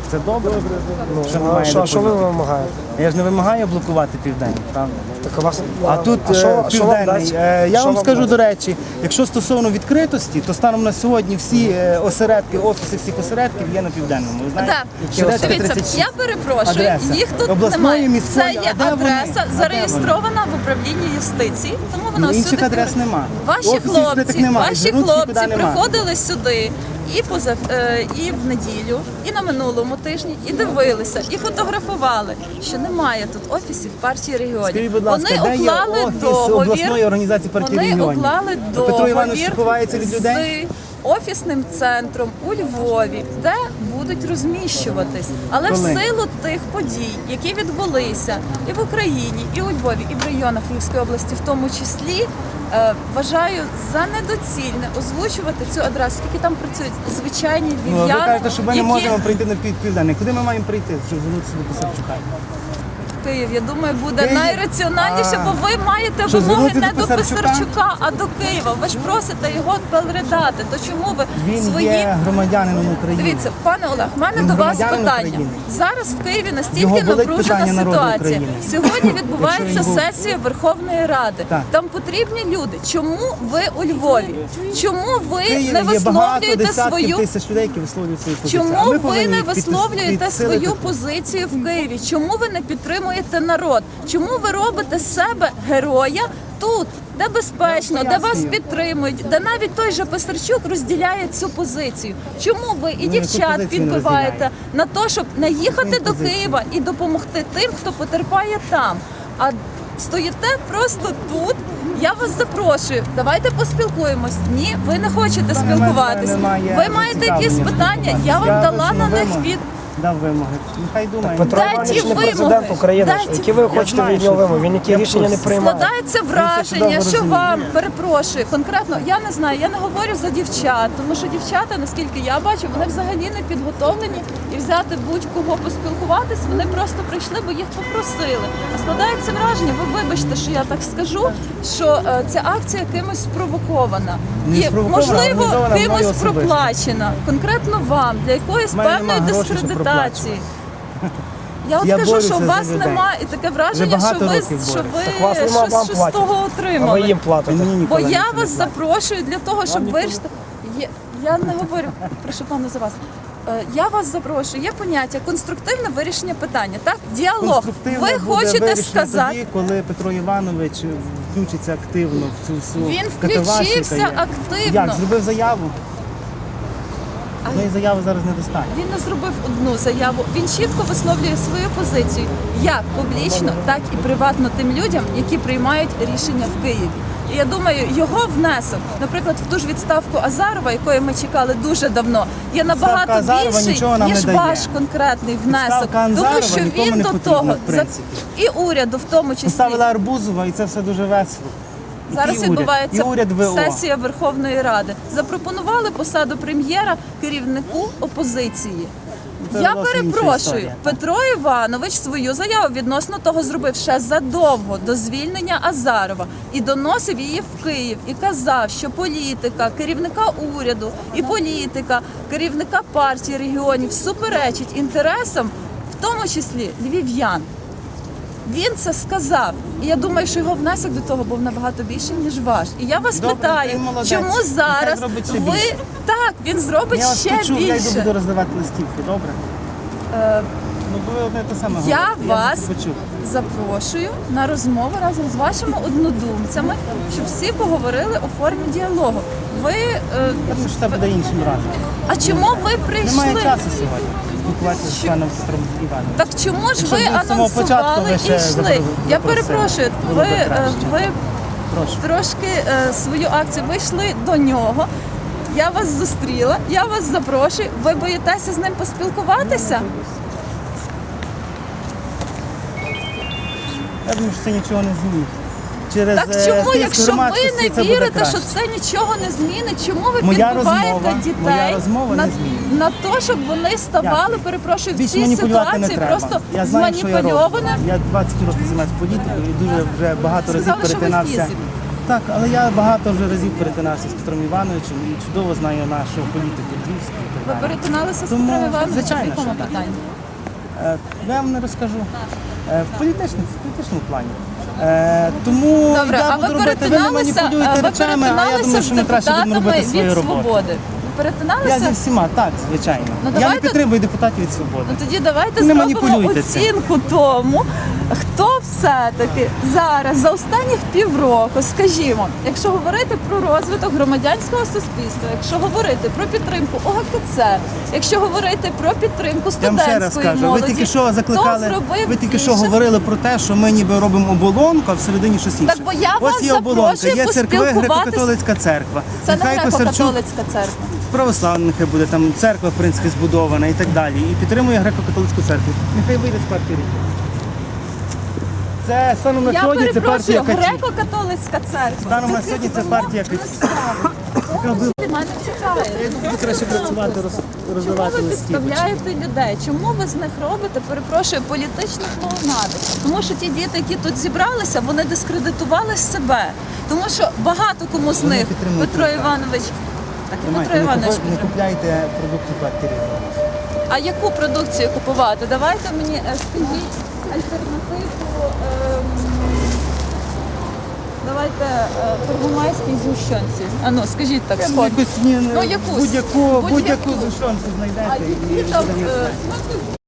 Це добре. Що А немає що ви депозиту. вимагаєте? Я ж не вимагаю блокувати Південний, правда? Так у вас... А тут що вам Південний. дасть? Я Що вам скажу, дасть? до речі, якщо стосовно відкритості, то станом на сьогодні всі осередки, офіси всіх осередків є на Південному. Ви знаєте? Шевченка Дивіться, 36. я перепрошую, Адреса. їх тут Обласної, немає. міської, Це а є де вони? адреса, А де зареєстрована в управлінні юстиції, тому вона Інших всюди адрес фігурує. нема. Ваші Офісів відкритих хлопці, немає, ваші звернутися хлопці нікуди нема. приходили сюди і в неділю, і на минулому тижні, і дивилися, і фотографували, що немає тут офісів партії регіонів. Скажіть, будь ласка, Вони де є уклали офіс договір. обласної організації партії Вони регіонів? уклали Петро Іванович договір ховається від людей? з офісним центром у Львові, де будуть розміщуватись. Але Коли? в силу тих подій, які відбулися і в Україні, і у Львові, і в районах Львівської області, в тому числі, вважаю за недоцільне озвучувати цю адресу, оскільки там працюють звичайні Ну, ви львів'яни, кажете, що ми не які можемо прийти на Південний. Куди ми маємо прийти, щоб звернутися до Писарчука? Київ, я думаю, буде Київ? найраціональніше, бо ви маєте Що, вимоги звернутися не до до Писарчука? Писарчука, а до Києва. Ви ж просите його передати. То чому ви Він свої... є громадянином України. Дивіться, пане Олег, в мене Він до вас громадянин питання. України. Зараз в Києві Його настільки болить напружена питання народу ситуація. України. Сьогодні відбувається Якщо він був- сесія Верховної Ради. Так. Там потрібні люди. Чому ви у Львові? Чому В ви Києві не є багато висловлюєте десятків свою тисяч людей, які висловлюють свою позицію. А Чому ми ви повинні не висловлюєте підсилити свою позицію в Києві? Чому ви не підтримуєте народ? Чому ви робите з себе героя тут, де безпечно, де вас пояснюю. підтримують, де навіть той же Писарчук розділяє цю позицію? Чому ви і яку дівчат позицію не підбиваєте розділяє? на те, щоб не їхати Яку до позицію? Києва і допомогти тим, хто потерпає там? А стоїте просто тут. Я вас запрошую, давайте поспілкуємось. Ні, ви не хочете спілкуватись. Ви маєте якісь питання, я вам дала на них від. Дав вимоги. Нехай думає. Петро Дайте Іванович не вимоги. президент України. Дайте- Які ви Я хочете знаю, від нього що- вимоги? Він які Я в рішення не курсі. приймає. Складається чудово враження, що розуміє. вам перепрошую. Конкретно я не знаю, я не говорю за дівчат, тому що дівчата, наскільки я бачу, вони взагалі не підготовлені і взяти будь-кого поспілкуватись. Вони просто прийшли, бо їх попросили. А складається враження, ви вибачте, що я так скажу, що ця акція кимось спровокована Не і спровокована, можливо організована мною кимось особисто. проплачена. Конкретно вам для якоїсь В мене певної нема грошей, щоб дискредитації. Я от Я кажу, борюся що у за вас людей. немає і таке враження, Вже багато що ви, років що борюся. Так вас ви нема, вам щось з платять. того А ви отримали. їм платите. Мені Бо ніколи я нічого не вас платить. запрошую для того, щоб вирішити. Я не говорю, прошу пане за вас. Я вас запрошую. Є поняття конструктивне вирішення питання. Так, діалог. Конструктивно Ви буде хочете вирішено сказати. тоді, коли Петро Іванович включиться активно в цю всю Він катавасію, включився яка є. активно. Як? Зробив заяву? Одної заяви зараз недостатньо. Він не зробив одну заяву. Він чітко висловлює свою позицію як публічно, так і приватно тим людям, які приймають рішення в Києві. І я думаю, його внесок, наприклад, в ту ж відставку Азарова, якої ми чекали дуже давно, є набагато Азарова більший, нічого нам ніж не дає. ваш конкретний внесок. Відставка Тому Азарова що нікому він не до потрібна, того в принципі. і уряду, в тому числі. Поставили Арбузова, і це все дуже весело. Зараз І уряд, відбувається і уряд ВО. сесія Верховної Ради. Запропонували посаду прем'єра керівнику опозиції. Це Я зовсім інша перепрошую, історія. Петро Іванович свою заяву відносно того зробив ще задовго до звільнення Азарова і доносив її в Київ і казав, що політика керівника уряду і політика керівника партії регіонів суперечить інтересам, в тому числі львів'ян. Він це сказав, і я думаю, що його внесок до того був набагато більший, ніж ваш. І я вас Добре, питаю, він молодець. чому Нехай зараз зробить ще ви більше. так він зробить Я вас ще почув, я йду більше. буду роздавати листівки, добре? Ну, бо ви одне те саме Я говорите. вас почув. запрошую на розмову разом з вашими однодумцями, щоб всі поговорили у формі діалогу. Ви Я думаю, що це буде іншим разом. а чому ви прийшли? Немає часу сьогодні спілкуватися з паном Петром Івановичем. Так чому ж ви Якщо б з самого початку анонсували ви і ще йшли? Я запросили, перепрошую, було б ви краще. Прошу. трошки свою акцію вийшли до нього. Я вас зустріла, я вас запрошую. Ви боїтеся з ним поспілкуватися? Я думаю, що це нічого не змінить. Через Так чому, тиск якщо ви громадськості не це буде вірите, краще. що це нічого не змінить, чому ви Моя підбиваєте моя дітей розмова на, не змінить. на те, щоб вони ставали, перепрошую, в Більше цій маніпулювати не ситуації треба. просто Я знаю, що я роблю. зманіпульованими? Я 20 років займаюся політикою і дуже вже багато разів Сказали, що ви перетинався. фізик. Так, але я багато вже разів перетинався з Петром Івановичем і чудово знаю нашого політику львівського. і так Ви далі. перетиналися з Тому, Петром Івановичем? звичайно, В якому що так. питанні? Я вам не розкажу. В політичному плані. Тому Добре, я а буду ви робити, ви не перетиналися, маніпулюєте речами, а я думаю, з що ми краще будемо депутатами робити свою від роботу. «Свободи»? Ви Я перетиналися? зі всіма, так, звичайно. Ну, Я не давайте- підтримую депутатів від свободи. Ну тоді давайте Не зробимо маніпулюйте цим. оцінку тому, хто все-таки зараз за останніх півроку, скажімо, якщо говорити про розвиток громадянського суспільства, якщо говорити про підтримку ОГКЦ, якщо говорити про підтримку Я вам ще раз студентської кажу, ви молоді, тільки що хто закликали, зробив ви тільки що більше? говорили про те, що ми ніби робимо оболонку, а всередині щось інше. Так, бо я вас Ось є оболонка, запрошую є церкви, поспілкуватись. греко-католицька церква. Це не Нехай Косарчук, греко-католицька церква. православна нехай буде, там церква, в принципі, збудована і так далі. І підтримує греко-католицьку церкву. Нехай вийде з партії Ріхів. Це станом на Я сьогодні це перепрошую, партія Каті. греко-католицька церква. Станом на сьогодні це партія Каті. Від мене чекає. Буду краще працювати, Чому роздавати ви листівки. підставляєте людей? Чому ви з них робите, перепрошую, політичні клоунади? Тому що ті діти, які тут зібралися, вони дискредитували себе. Тому що багато кому з Вони них підтримують Петро їх, так. Іванович. Так, і Тримайте, Петро Іванович. не підтримує. купляйте продукти партії Ріхів. А яку продукцію купувати? Давайте мені скажіть альтернативу. Давайте первомайській згущенці. А ну, скажіть так, сходу. Якусь, ні, Ну, якусь. будь-яку Будь-яку. зушонку А знайдете. і які там буде. смаки